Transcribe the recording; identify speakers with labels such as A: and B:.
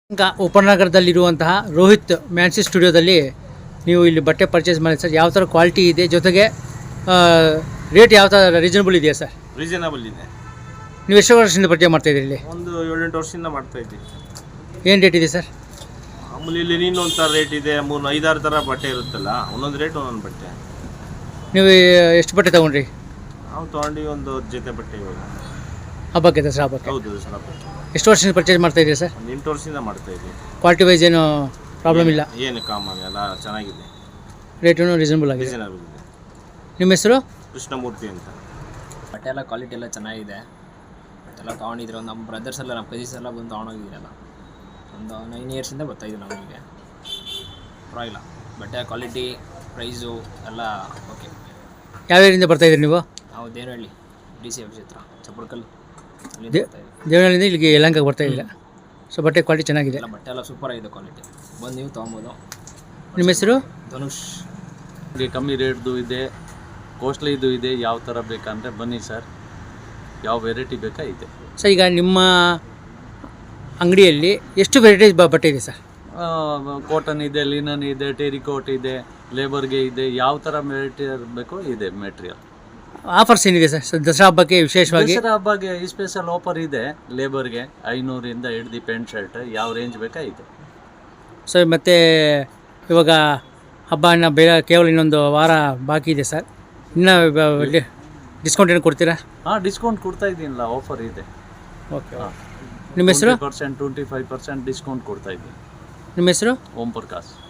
A: ಉಪನಗರದಲ್ಲಿರುವಂತಹ ರೋಹಿತ್ ಮ್ಯಾನ್ಸಿ ಸ್ಟುಡಿಯೋದಲ್ಲಿ ನೀವು ಇಲ್ಲಿ ಬಟ್ಟೆ ಪರ್ಚೇಸ್ ಮಾಡಿ ಸರ್. ಯಾವ ಥರ ಕ್ವಾಲಿಟಿ ಇದೆ, ಜೊತೆಗೆ ರೇಟ್ ಯಾವ ಥರ ರೀಸನಬಲ್ ಇದೆಯಾ ಸರ್?
B: ರೀಸನಬಲ್ ಇದೆ.
A: ನೀವು ಎಷ್ಟು ವರ್ಷದಿಂದ ಪರ್ಚೇಸ್ ಮಾಡ್ತಾಯಿದ್ದೀರಿ ಇಲ್ಲಿ?
B: ಒಂದು 7-8 ವರ್ಷದಿಂದ ಮಾಡ್ತಾ ಇದ್ದೀವಿ.
A: ಏನು ರೇಟ್ ಇದೆ ಸರ್?
B: ಮಾಮೂಲಿ ಇಲ್ಲಿ ಇನ್ನೊಂದು ಥರ ರೇಟ್ ಇದೆ, 3-5-6 ಥರ ಬಟ್ಟೆ ಇರುತ್ತಲ್ಲ, ಒಂದೊಂದು ರೇಟ್ ಒಂದೊಂದು ಬಟ್ಟೆ.
A: ನೀವು ಎಷ್ಟು ಬಟ್ಟೆ ತೊಗೊಂಡ್ರಿ?
B: ನಾವು ತೊಗೊಂಡು ಒಂದು 10 ಜೊತೆ ಬಟ್ಟೆ ಇವಾಗ.
A: ಹಬ್ಬಕ್ಕೆ ದಸರಾ ಹಬ್ಬಕ್ಕೆ?
B: ಹೌದು, ದಸರಾ ಹಬ್ಬಕ್ಕೆ.
A: ಎಷ್ಟು ವರ್ಷದಿಂದ ಪರ್ಚೇಸ್ ಮಾಡ್ತಾಯಿದ್ದೀರಿ ಸರ್?
B: ಒಂದು 8 ವರ್ಷದಿಂದ ಮಾಡ್ತಾ ಇದ್ದೀವಿ.
A: ಕ್ವಾಲಿಟಿ ವೈಸ್ ಏನು ಪ್ರಾಬ್ಲಮ್ ಇಲ್ಲ?
B: ಏನು ಕಾಮನ್ ಎಲ್ಲ ಚೆನ್ನಾಗಿದೆ,
A: ರೇಟೂ ರೀಸನಬಲ್ ಆಗಿದೆ.
B: ರೀಸನಬಲ್ ಇದೆ.
A: ನಿಮ್ಮ ಹೆಸರು?
B: ಕೃಷ್ಣಮೂರ್ತಿ ಅಂತ.
C: ಬಟ್ಟೆ ಎಲ್ಲ ಕ್ವಾಲಿಟಿ ಎಲ್ಲ ಚೆನ್ನಾಗಿದೆ. ಎಲ್ಲ ತೊಗೊಂಡಿದ್ರು, ನಮ್ಮ ಬ್ರದರ್ಸ್ ಎಲ್ಲ, ನಮ್ಮ ಕಸಿನ್ಸ್ ಎಲ್ಲ ಬಂದು ತೊಗೊಂಡೋಗಿದ್ದೀರಲ್ಲ. ಒಂದು 9 ಇಯರ್ಸಿಂದ ಬರ್ತಾಯಿದ್ದೀವಿ ನಾವು ಇಲ್ಲಿಗೆ. ಪರವಾಗಿಲ್ಲ, ಬಟ್ಟೆ ಕ್ವಾಲಿಟಿ, ಪ್ರೈಸು ಎಲ್ಲ ಓಕೆ.
A: ಯಾವ ಏರಿಯಿಂದ ಬರ್ತಾಯಿದ್ದೀರಿ ನೀವು?
C: ನಾವು ದೇವನಹಳ್ಳಿ DC ಆಫೀಸ್ ಹತ್ರ, ಚಪ್ಪಡ್ಕಲ್ ಅಲ್ಲಿ
A: ದೇವನಹಳ್ಳಿಯಿಂದ ಇಲ್ಲಿಗೆ ಯಲಹಂಕಕ್ಕೆ ಬರ್ತಾಯಿದ್ದೀರಾ? ಸೊ ಬಟ್ಟೆ ಕ್ವಾಲಿಟಿ ಚೆನ್ನಾಗಿದೆ,
C: ಎಲ್ಲ ಬಟ್ಟೆ ಎಲ್ಲ ಸೂಪರ್ ಆಗಿದೆ ಕ್ವಾಲಿಟಿ. ಬಂದು ನೀವು ತೊಗೊಬೋದು.
A: ನಿಮ್ಮ ಹೆಸರು?
C: ಧನುಷ್.
D: ಕಮ್ಮಿ ರೇಟ್ದು ಇದೆ, ಕಾಸ್ಟ್ಲಿದು ಇದೆ. ಯಾವ ಥರ ಬೇಕಂದರೆ ಬನ್ನಿ ಸರ್, ಯಾವ ವೆರೈಟಿ ಬೇಕಾ ಇದೆ
A: ಸರ್. ಈಗ ನಿಮ್ಮ ಅಂಗಡಿಯಲ್ಲಿ ಎಷ್ಟು ವೆರೈಟೀಸ್ ಬಟ್ಟೆ ಇದೆ ಸರ್?
D: ಕಾಟನ್ ಇದೆ, ಲಿನನ್ ಇದೆ, ಟೆರಿಕೋಟ್ ಇದೆ, ಲೇಬರ್ಗೆ ಇದೆ. ಯಾವ ಥರ ವೆರೈಟಿ ಬೇಕೋ ಇದೆ ಮೆಟೀರಿಯಲ್.
A: ಆಫರ್ಸ್ ಏನಿದೆ ಸರ್ ದಸರಾ ಹಬ್ಬಕ್ಕೆ ವಿಶೇಷವಾಗಿ?
D: ದಸರಾ ಹಬ್ಬಕ್ಕೆ ಈ ಸ್ಪೆಷಲ್ ಆಫರ್ ಇದೆ. ಲೇಬರ್ಗೆ 500ರಿಂದ ಹಿಡ್ದು ಪ್ಯಾಂಟ್ ಶರ್ಟ್ ಯಾವ ರೇಂಜ್ ಬೇಕಾ ಇದೆ
A: ಸರ್. ಮತ್ತು ಇವಾಗ ಹಬ್ಬ ಇನ್ನು ಕೇವಲ ಇನ್ನೊಂದು ವಾರ ಬಾಕಿ ಇದೆ ಸರ್. ಇನ್ನೂ ಡಿಸ್ಕೌಂಟ್ ಏನು ಕೊಡ್ತೀರಾ?
D: ಡಿಸ್ಕೌಂಟ್ ಕೊಡ್ತಾ ಇದ್ದೀನಲ್ಲ, ಆಫರ್ ಇದೆ.
A: ಓಕೆ. ನಿಮ್ಮ ಹೆಸರು?
D: 25% ಡಿಸ್ಕೌಂಟ್ ಕೊಡ್ತಾ ಇದ್ದೀನಿ.
A: ನಿಮ್ಮ ಹೆಸರು?
D: ಓಂ ಪ್ರಕಾಶ್.